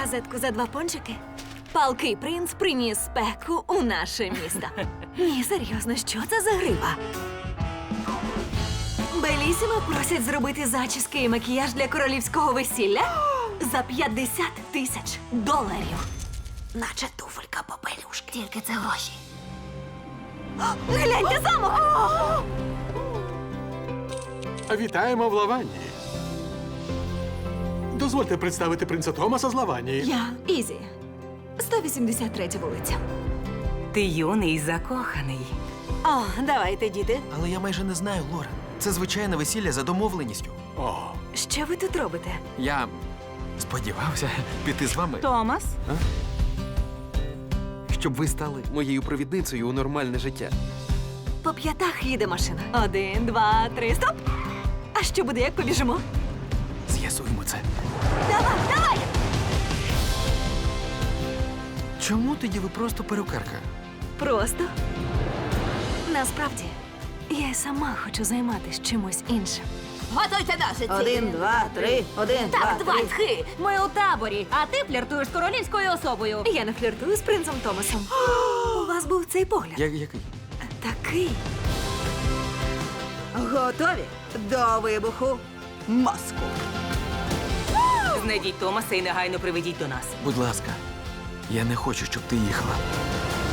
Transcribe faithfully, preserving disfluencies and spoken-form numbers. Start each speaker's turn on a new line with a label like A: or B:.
A: Газетку за два пончики? Палкий принц приніс спеку у наше місто. Ні, серйозно, що це за грива? Белісімо просять зробити зачіски і макіяж для королівського весілля за п'ятдесят тисяч доларів. Наче туфелька попелюшки.
B: Тільки це гроші.
A: Гляньте, замок!
C: Вітаємо в Лаванії. Дозвольте представити принца Томаса з Лаванії.
A: Я Ізі. сто вісімдесят третя вулиця.
D: Ти юний і закоханий.
A: О, давайте, діти.
E: Але я майже не знаю, Лорен. Це звичайне весілля за домовленістю.
C: О,
A: Що ви тут робите?
E: Я сподівався піти з вами,
D: Томас?
E: щоб ви стали моєю провідницею у нормальне життя.
A: По п'ятах їде машина. Один, два, три, стоп! А що буде, як побіжимо?
E: З'ясуємо це.
A: Давай, давай!
E: Чому тоді ви просто перукарка?
A: Просто. Насправді, я й сама хочу займатися чимось іншим.
B: Готуйте ножиці.
F: Один, два, три, один,
B: Так,
F: два, три.
B: двадцять.
D: Ми у таборі, а ти фліртуєш з королівською особою.
A: Я не фліртую з принцем Томасом. У вас був цей погляд.
E: Я, який?
A: Такий.
F: Готові до вибуху мозку.
D: Знайдіть Томаса і негайно приведіть до нас.
E: Будь ласка, я не хочу, щоб ти їхала.